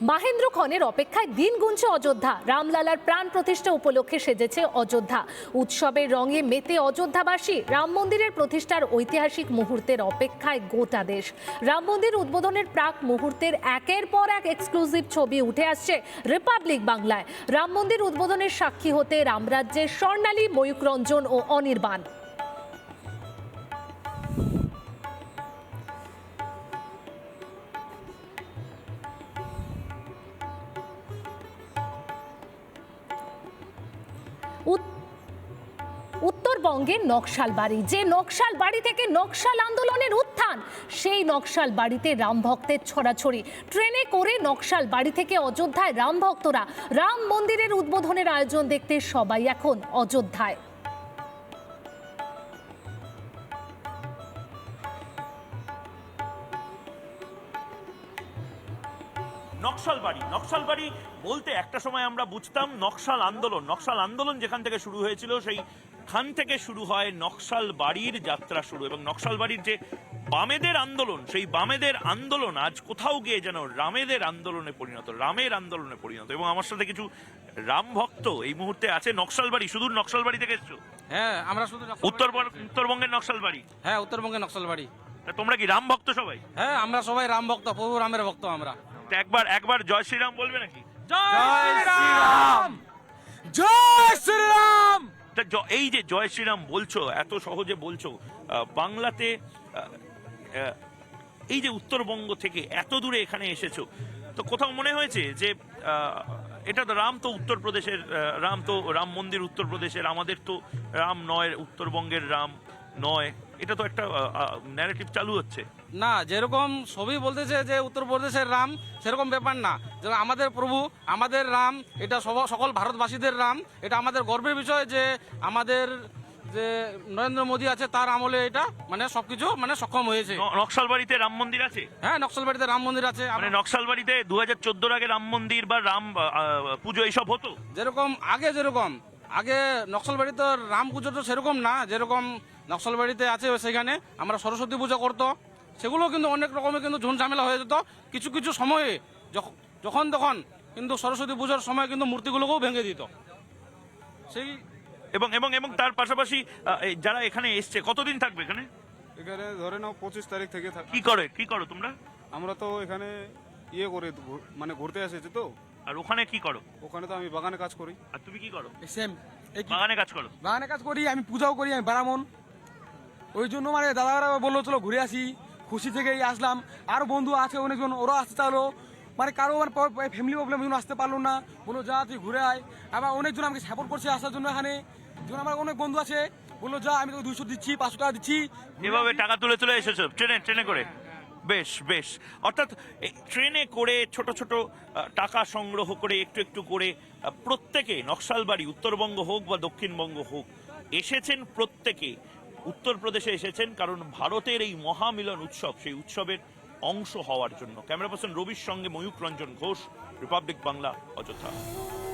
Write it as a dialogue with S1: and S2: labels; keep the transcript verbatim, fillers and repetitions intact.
S1: মাহেন্দ্রক্ষণের অপেক্ষায় দিন গুনছে অযোধ্যা। রামলালার প্রাণ প্রতিষ্ঠা উপলক্ষে সেজেছে অযোধ্যা। উৎসবের রঙে মেতে অযোধ্যাবাসী। রাম মন্দিরের প্রতিষ্ঠার ঐতিহাসিক মুহূর্তের অপেক্ষায় গোটা দেশ। রাম মন্দির উদ্বোধনের প্রাক মুহূর্তের একের পর এক এক্সক্লুসিভ ছবি উঠে আসছে রিপাবলিক বাংলায়। রাম মন্দির উদ্বোধনের সাক্ষী হতে রামরাজ্যের স্বর্ণালী, ময়ূক রঞ্জন ও অনির্বাণ। উত্তরবঙ্গের নকশাল বাড়ি, যে নকশাল বাড়ি থেকে নকশাল আন্দোলনের উত্থান, সেই নকশাল বাড়িতে রাম ভক্তের ছড়াছড়ি। ট্রেনে করে নকশাল বাড়ি থেকে অযোধ্যায় রাম ভক্তরা। রাম মন্দিরের উদ্বোধনের আয়োজন দেখতে সবাই এখন অযোধ্যায়।
S2: নকশাল বাড়ি নকশাল বাড়ি বলতে একটা সময় আমরা বুঝতাম নকশাল আন্দোলন। নকশাল আন্দোলন যেখান থেকে শুরু হয়েছিল সেই খান থেকে শুরু হয় নকশাল বাড়ির যাত্রা শুরু। এবং নকশাল বাড়ির যে বামেদের আন্দোলন, সেই বামেদের আন্দোলন আজ কোথাও গিয়ে যেন রামেদের আন্দোলনে পরিণত, রামের আন্দোলনে পরিণত। এবং আমার সাথে কিছু রাম ভক্ত এই মুহূর্তে আছে। নকশাল বাড়ি, শুধু নকশাল বাড়ি থেকে এসছো?
S3: হ্যাঁ, আমরা শুধু
S2: উত্তরবঙ্গ উত্তরবঙ্গের নকশাল বাড়ি।
S3: হ্যাঁ, উত্তরবঙ্গের নকশাল বাড়ি।
S2: তোমরা কি রাম ভক্ত সবাই?
S3: হ্যাঁ, আমরা সবাই রাম ভক্ত, প্রভু রামের ভক্ত আমরা।
S2: একবার একবার জয় শ্রীরাম বলবে নাকি?
S3: জয় শ্রীরাম, জয় শ্রীরাম।
S2: এই যে জয় শ্রীরাম বলছো, এত সহজে বলছো, বাংলাতে এই যে উত্তরবঙ্গ থেকে এত দূরে এখানে এসেছো, তো কোথাও মনে হয়েছে যে এটা তো রাম তো উত্তরপ্রদেশের রাম, তো রাম মন্দির উত্তরপ্রদেশের, আমাদের তো রাম নয়, উত্তরবঙ্গের রাম নয়, এটা তো একটা ন্যারেটিভ চালু হচ্ছে
S3: না? যেরকম সবই বলতেছে যে উত্তরপ্রদেশের রাম, সেরকম ব্যাপার না। যেমন আমাদের প্রভু, আমাদের রাম, এটা সকল ভারতবাসীদের রাম। এটা আমাদের গর্বের বিষয় যে আমাদের যে নরেন্দ্র মোদী আছে তার আমলে এটা মানে সবকিছু মানে সক্ষম হয়েছে।
S2: নকশালবাড়িতে রাম মন্দির আছে?
S3: হ্যাঁ, নকশালবাড়িতে রাম মন্দির আছে।
S2: মানে নকশালবাড়িতে দু হাজার চোদ্দোর আগে রাম মন্দির বা রাম পুজো এইসব হতো?
S3: যেরকম আগে যেরকম আগে নকশালবাড়িতে রাম পুজো তো সেরকম না, যেরকম নকশালবাড়িতে আছে সেখানে আমরা সরস্বতী পুজো করতো। সেগুলো কিন্তু অনেক রকমের কিন্তু ঝুন ঝামেলা হয়ে যেত কিছু কিছু সময়ে, যখন তখন কিন্তু সরস্বতী পুজোর সময় কিন্তু মূর্তিগুলোকেও ভেঙে দিত সেই।
S2: এবং এবং এবং তার পাশাপাশি যারা এখানে এসছে কতদিন থাকবে এখানে?
S4: এখানে ধরে নাও পঁচিশ তারিখ থেকে।
S2: কি করে কি করো তোমরা?
S4: আমরা তো এখানে ইয়ে করে মানে ঘুরতে এসেছি তো।
S2: আর ওখানে কি করো?
S4: ওখানে তো আমি বাগানে কাজ করি।
S2: আর তুমি কি করো?
S5: সেম,
S2: বাগানে কাজ করো?
S5: বাগানে কাজ করি, আমি পূজাও করি, আমি ব্রাহ্মণ। ওই জন্য মানে দাদারা বললো চলো ঘুরে আসি, খুশি থেকেই আসলাম। আর বন্ধু আছে অনেকজন, ওরা আসতে চালো, মানে কারো মানে ফ্যামিলি প্রবলেম জন্য আসতে পারলো না, বললো যা তুই ঘুরে আয়। আবার অনেকজন আমাকে সাপোর্ট করছে আসার জন্য এখানে। যেমন আমার অনেক বন্ধু আছে, বললো যা আমি তোকে দুইশো দিচ্ছি, পাঁচশো টাকা দিচ্ছি।
S2: এভাবে টাকা তুলে তুলে এসেছো ট্রেনে ট্রেনে করে? বেশ বেশ। অর্থাৎ ট্রেনে করে ছোট ছোট টাকা সংগ্রহ করে একটু একটু করে প্রত্যেকে নকশালবাড়ি, উত্তরবঙ্গ হোক বা দক্ষিণবঙ্গ হোক, এসেছেন প্রত্যেকে। উত্তরপ্রদেশে এসেছেন কারণ ভারতের এই মহামিলন উৎসব, সেই উৎসবের অংশ হওয়ার জন্য। ক্যামেরা পার্সন রবির সঙ্গে ময়ূক রঞ্জন ঘোষ, রিপাবলিক বাংলা, অযোধ্যা।